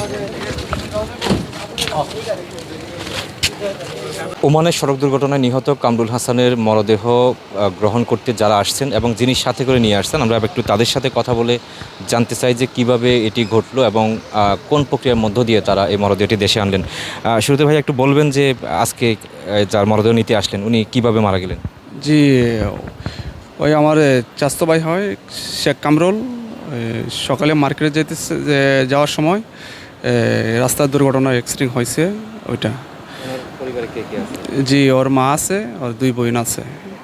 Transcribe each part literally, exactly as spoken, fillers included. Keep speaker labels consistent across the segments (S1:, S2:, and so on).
S1: ওমানের সড়ক দুর্ঘটনায় নিহত কামরুল হাসানের মরদেহ গ্রহণ করতে যারা আসছেন এবং যিনি সাথে করে নিয়ে আসছেন, আমরা একটু তাদের সাথে কথা বলে জানতে চাই যে কিভাবে এটি ঘটলো এবং কোন প্রক্রিয়ার মধ্য দিয়ে তারা এই মরদেহটি দেশে আনলেন। শুরুতে ভাই একটু বলবেন যে আজকে যার মরদেহ নিতে আসলেন উনি কিভাবে মারা গেলেন?
S2: জি, ওই আমার চাচাতো ভাই হয় শেখ কামরুল। সকালে মার্কেটে যেতেছে যাওয়ার সময় রাস্তার দুর্ঘটনা অ্যাক্সিডেন্ট হয়েছে ওইটা।
S1: পরিবারে কে কে আছে?
S2: জি, ওর মা আছে, ওর দুই বোন আছে।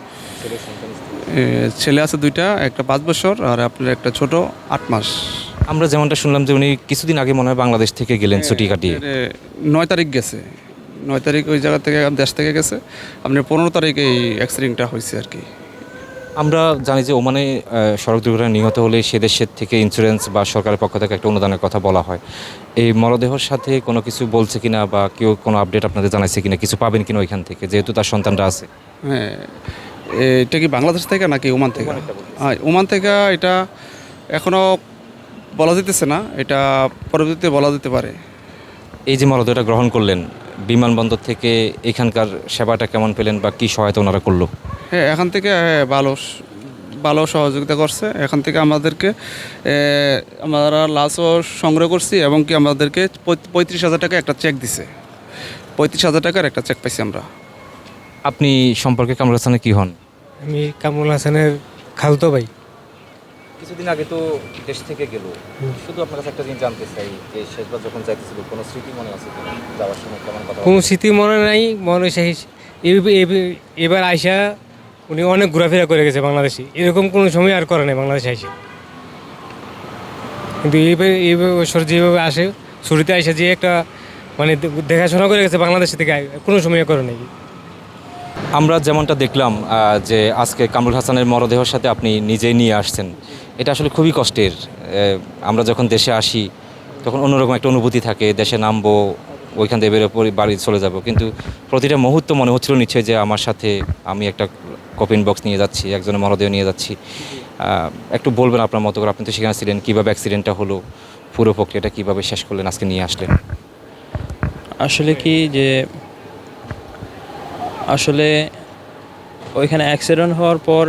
S2: ছেলে আছে দুইটা, একটা পাঁচ বছর আর আপনার একটা ছোট আট মাস।
S1: আমরা যেমনটা শুনলাম যে উনি কিছুদিন আগে মনে হয় বাংলাদেশ থেকে গেলেন ছুটি কাটিয়ে।
S2: নয় তারিখ গেছে, নয় তারিখ ওই জায়গা থেকে দেশ থেকে গেছে। আপনার পনেরো তারিখ এই অ্যাক্সিডেন্টটা হয়েছে আর কি।
S1: আমরা জানি যে ওমানে সড়ক দুর্ঘটনায় নিহত হলে সে দেশের থেকে ইন্স্যুরেন্স বা সরকারের পক্ষ থেকে একটা অনুদানের কথা বলা হয়। এই মরদেহর সাথে কোনো কিছু বলছে কিনা বা কেউ কোনো আপডেট আপনাদের জানাইছে কিনা, কিছু পাবেন কিনা ওইখান থেকে, যেহেতু তার সন্তানরা আছে?
S2: হ্যাঁ, এটা কি বাংলাদেশ থেকে নাকি ওমান থেকে? হ্যাঁ, ওমান থেকে। এটা এখনও বলা যেতেছে না, এটা পরবর্তীতে বলা যেতে পারে।
S1: এই যে মরদেহটা গ্রহণ করলেন বিমানবন্দর থেকে, এখানকার সেবাটা কেমন পেলেন বা কী সহায়তা ওনারা করলো?
S2: হ্যাঁ, এখান থেকে ভালো ভালো সহযোগিতা করছে। এখান থেকে আমাদেরকে আমরা লাশও সংগ্রহ করছি এবং কি আমাদেরকে পঁয়ত্রিশ হাজার টাকা একটা চেক দিছে। পঁয়ত্রিশ হাজার টাকার একটা চেক পাইছি আমরা।
S1: আপনি সম্পর্কে কামরুল হাসানের কী হন?
S3: আমি কামরুল হাসানের খালতো ভাই।
S1: কিছুদিন আগে তো দেশ থেকে গেল, শুধু আপনার কাছে একটা জিনিস জানতে চাই যে শেষবার যখন যাইতেছিল কোনো স্মৃতি মনে আছে কিনা, যাওয়ার সময় কেমন কথা?
S3: কোনো স্মৃতি মনে নাই, মনে সেই এবার আইসা উনি অনেক ঘোরাফেরা করে গেছে বাংলাদেশে, এরকম কোনো সময় আর করে নাই বাংলাদেশে আইসে। কিন্তু এইবার এই বছর যেভাবে আসে ছুটিতে আইসা যে একটা মানে দেখাশোনা করে গেছে বাংলাদেশ থেকে, কোনো সময় করে নাই।
S1: আমরা যেমনটা দেখলাম যে আজকে কামরুল হাসানের মরদেহের সাথে আপনি নিজেই নিয়ে আসছেন, এটা আসলে খুবই কষ্টের। আমরা যখন দেশে আসি তখন অন্যরকম একটা অনুভূতি থাকে, দেশে নামবো, ওইখান থেকে বেরোয় বাড়ি চলে যাব, কিন্তু প্রতিটা মুহূর্ত মনে হচ্ছিল নিশ্চয়ই যে আমার সাথে আমি একটা কপিন বক্স নিয়ে যাচ্ছি, একজনের মরদেহ নিয়ে যাচ্ছি। একটু বলবেন আপনার মতো করে, আপনি তো সেখানে ছিলেন, কীভাবে অ্যাক্সিডেন্টটা হলো, পুরো প্রক্রিয়াটা কীভাবে শেষ করলেন, আজকে নিয়ে আসলেন?
S4: আসলে কি যে আসলে ওইখানে অ্যাক্সিডেন্ট হওয়ার পর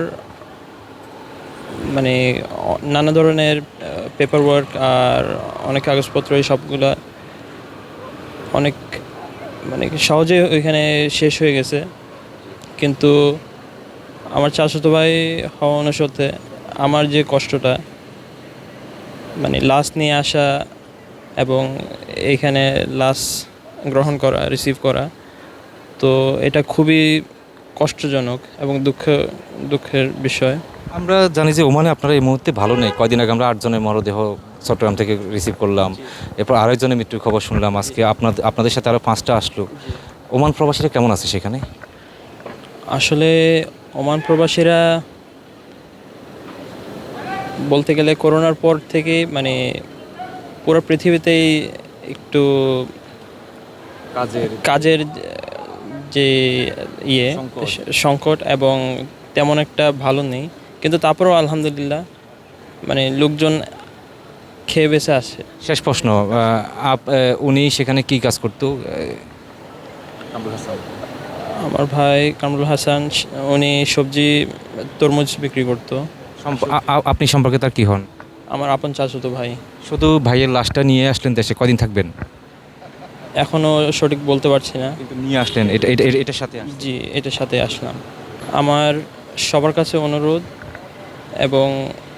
S4: মানে নানা ধরনের পেপার ওয়ার্ক আর অনেক কাগজপত্র এই সবগুলো অনেক মানে সহজে ওইখানে শেষ হয়ে গেছে। কিন্তু আমার চাচাতো ভাই হওয়া অনুসারে আমার যে কষ্টটা মানে লাশ নিয়ে আসা এবং এইখানে লাশ গ্রহণ করা, রিসিভ করা, তো এটা খুবই কষ্টজনক এবং দুঃখ দুঃখের বিষয়।
S1: আমরা জানি যে ওমানে আপনারা এই মুহূর্তে ভালো নেই। কয়দিন আগে আমরা আটজনের মরদেহ চট্টগ্রাম থেকে রিসিভ করলাম, এরপর আরেকজনের মৃত্যুর খবর শুনলাম, আজকে আপনাদের আপনাদের সাথে আরও পাঁচটা আসলো। ওমান প্রবাসীরা কেমন আছে সেখানে?
S4: আসলে ওমান প্রবাসীরা বলতে গেলে করোনার পর থেকে মানে পুরো পৃথিবীতেই একটু
S1: কাজের
S4: কাজের যে ইয়ে সংকট এবং তেমন একটা ভালো নেই, কিন্তু তারপরেও আলহামদুলিল্লাহ মানে লোকজন খেয়ে বেঁচে আসে।
S1: শেষ প্রশ্ন, উনি সেখানে কি কাজ করতো?
S4: আমার ভাই কামরুল হাসান উনি সবজি তরমুজ বিক্রি করতো।
S1: আপনি সম্পর্কে তার কি হন?
S4: আমার আপন চাচাতো ভাই।
S1: শুধু ভাইয়ের লাশটা নিয়ে আসলেন দেশে, কদিন থাকবেন?
S4: এখনও সঠিক বলতে পারছি না,
S1: কিন্তু নিয়ে আসলেন এটা এটার সাথে?
S4: জি, এটার সাথে আসলাম। আমার সবার কাছে অনুরোধ এবং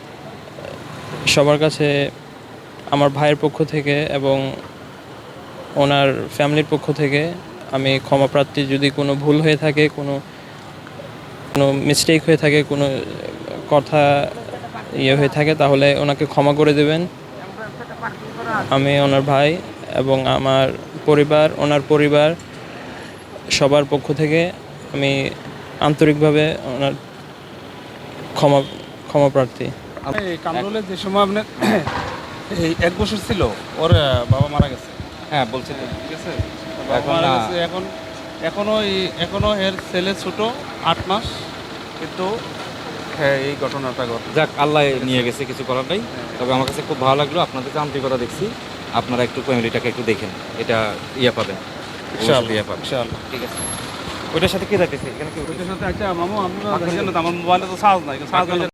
S4: সবার কাছে আমার ভাইয়ের পক্ষ থেকে এবং ওনার ফ্যামিলির পক্ষ থেকে আমি ক্ষমা প্রার্থী। যদি কোনো ভুল হয়ে থাকে, কোনো কোনো মিস্টেক হয়ে থাকে, কোনো কথা ইয়ে হয়ে থাকে, তাহলে ওনাকে ক্ষমা করে দেবেন। আমি ওনার ভাই এবং আমার পরিবার, ওনার পরিবার সবার পক্ষ থেকে আমি আন্তরিকভাবে ওনার ক্ষমা ক্ষমা প্রার্থী।
S2: কামরুলের যে সময় আপনার এই এক বছর ছিল, ওর বাবা মারা গেছে।
S1: হ্যাঁ বলছি,
S2: ঠিক আছে, মারা গেছে। এখন এখনও এখনও এর ছেলে ছোট আট মাস, কিন্তু হ্যাঁ এই ঘটনাটা ঘটে।
S1: যাক, আল্লাহ নিয়ে গেছে, কিছু করার নাই। তবে আমার কাছে খুব ভালো লাগলো, আপনাদের আন্তরিকতা দেখছি। আপনারা একটু ফ্যামিলিটাকে একটু দেখেন, এটা ইয়া পাবেন,
S2: ইনশাআল্লাহ
S1: ইয়া পাবেন।
S2: ইনশাআল্লাহ।
S1: ঠিক আছে, ওইটার সাথে কি যাইতেছে এখানে কি
S2: ওইটার সাথে আচ্ছা মামু আপনি দেখেন না, আমার মোবাইলে তো চার্জ নাই, চার্জ